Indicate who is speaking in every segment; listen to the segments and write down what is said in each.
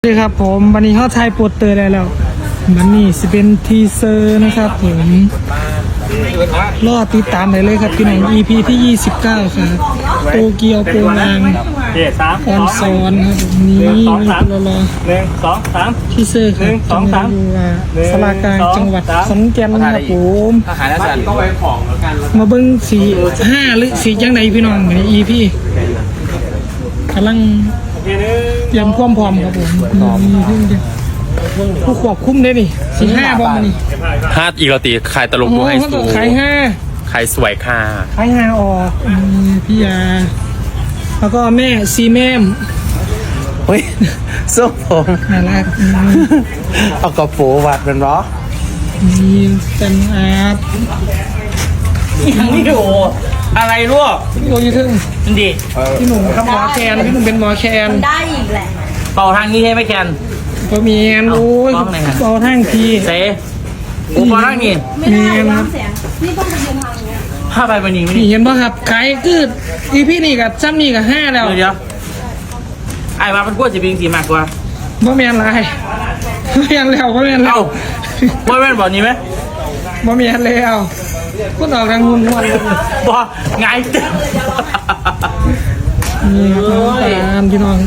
Speaker 1: สวัสดีครับผมวันนี้เขาถ่ายโปสเตอร์ได้แล้ววันนี้จะเป็นทีเซอร์นะครับผมรอติดตามได้เลยครับพี่น้อง EP ที่ 29ครับโตเกียวโปงลางออนซอนครับนี้มีรอทีเซอร์ครับจังหวัดสลากลางจังหวัดขอนแก่นครับผมมาเบิ้ง4-5หรือ4จังไหนพี่น้องใน EP กำลังเตรียมความพร้อมครับผมผู้ควบคุมได้ดิ4-5บอมนี่
Speaker 2: 5อีกแล้วตีขายตลกดูให้สูงขายสวยค่ะ
Speaker 1: ขาย5ออกพี่ยาแล้วก็แม่ซีแม่ม
Speaker 3: เฮ้ยส้มผม
Speaker 1: น่ารัก
Speaker 3: เอากระโปรงวัดเป็นเหรอ
Speaker 1: มีเป็นอาร์ต
Speaker 2: นี่โอ้อะไรลูก
Speaker 1: พี่โอยูทึ่ง
Speaker 2: ดี
Speaker 1: พี่หนุ่มครับหมอแคนพี่หนุ่มเป็นหมอแคน
Speaker 4: ได้อีกแหละ
Speaker 2: เป่าทางนี้ให้ไหมแคน
Speaker 1: พอมีแอนโอ้ยเป่าทางที
Speaker 2: เซ่กูเป่าทางนี้
Speaker 4: ไม่ได้ร้องเสียงนี่ต้องไปยืนทางนี้
Speaker 2: ผ้าใบมันยิงไม่
Speaker 1: นี่เห็นป่ะครับขายกืดอีพี่นี่กับซ้ำนี่กับ5แล้ว
Speaker 2: เดี๋ยวไอ้มาเป็นพวกจะเป็นสีมากกว่า
Speaker 1: บ่แมนไรบ่แมนแล้วบ่แมนแล้ว
Speaker 2: ว่าแม่นบอกนี้ไหม
Speaker 1: บ่แมนแล้วก็ออกทางหุ่นวัน
Speaker 2: บอกไง
Speaker 1: นี่ครับตามพี่น้อง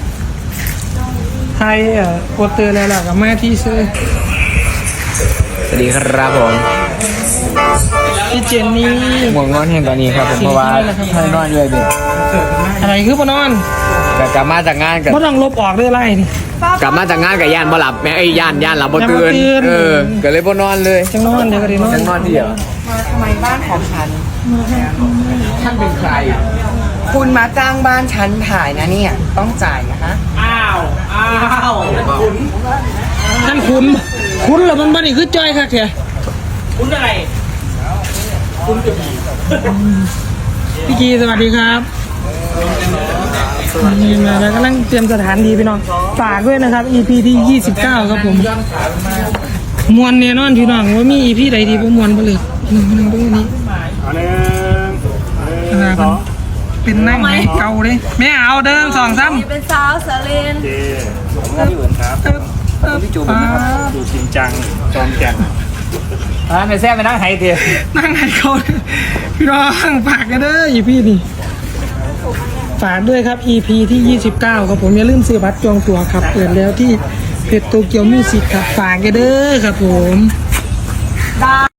Speaker 1: ไทยโปสเตอร์แล้วล่ะกับแม่ที่ซื้อ
Speaker 3: สวัสดีครับผม
Speaker 1: พี่เจนนี่
Speaker 3: หมวกนอนเห็นตอนนี้ครับผมเพราะว่าให้นอนเลยดิ
Speaker 1: อะไรคือปนอน
Speaker 3: กลับมาจากงานกับ
Speaker 1: บ่ต้องลบออกได้ไรนี่
Speaker 3: กลับมาจากงานกับย่านบ่หลับแม่ไอ้ย่านหลับบ่ตื่นก็เลยบ่นอนเลย
Speaker 1: จังนอนเดี๋ยวก็ได้นอน
Speaker 3: จังนอนที่เดียว
Speaker 5: ทำไมบ้านของฉัน
Speaker 3: ท่านเป็นใคร
Speaker 5: คุณมาจ้างบ้านฉันถ่ายนะเนี่ยต้องจ่ายนะคะ
Speaker 2: อ้าว
Speaker 1: ท่านคุณเหรอมันบ้านี่คือจอยค่ะแก
Speaker 2: คุณอะไรคุณจะมี
Speaker 1: พี่กีสวัสดีครับนี่มาแล้วกำลังเตรียมสถานที่พี่น้องฝากด้วยนะครับ EP ที่29ครับผมมวนเนี่ยนอนพี่น้องว่ามี EP ใดดีบ่มวนบ่เลยพี่น้องดูนี่เป็นนั่งให้เก่าเลยแม่เอาเดิน2-3
Speaker 4: เป็นสาวสาเลน
Speaker 1: พี่จูบ
Speaker 2: ดูจริงจังจอมแก่น
Speaker 3: ในแซ่ไปนั่งไฮเทีย
Speaker 1: นั่งให้เขาพี่น้องฝากกันเด้อ EP นี่ฝากด้วยครับ EP ที่29ครับผมอย่าลืมซื้อบัตรจองตั๋วครับเปิดแล้วที่เพจโตเกียวมิวสิกครับฝากกันเด้อครับผม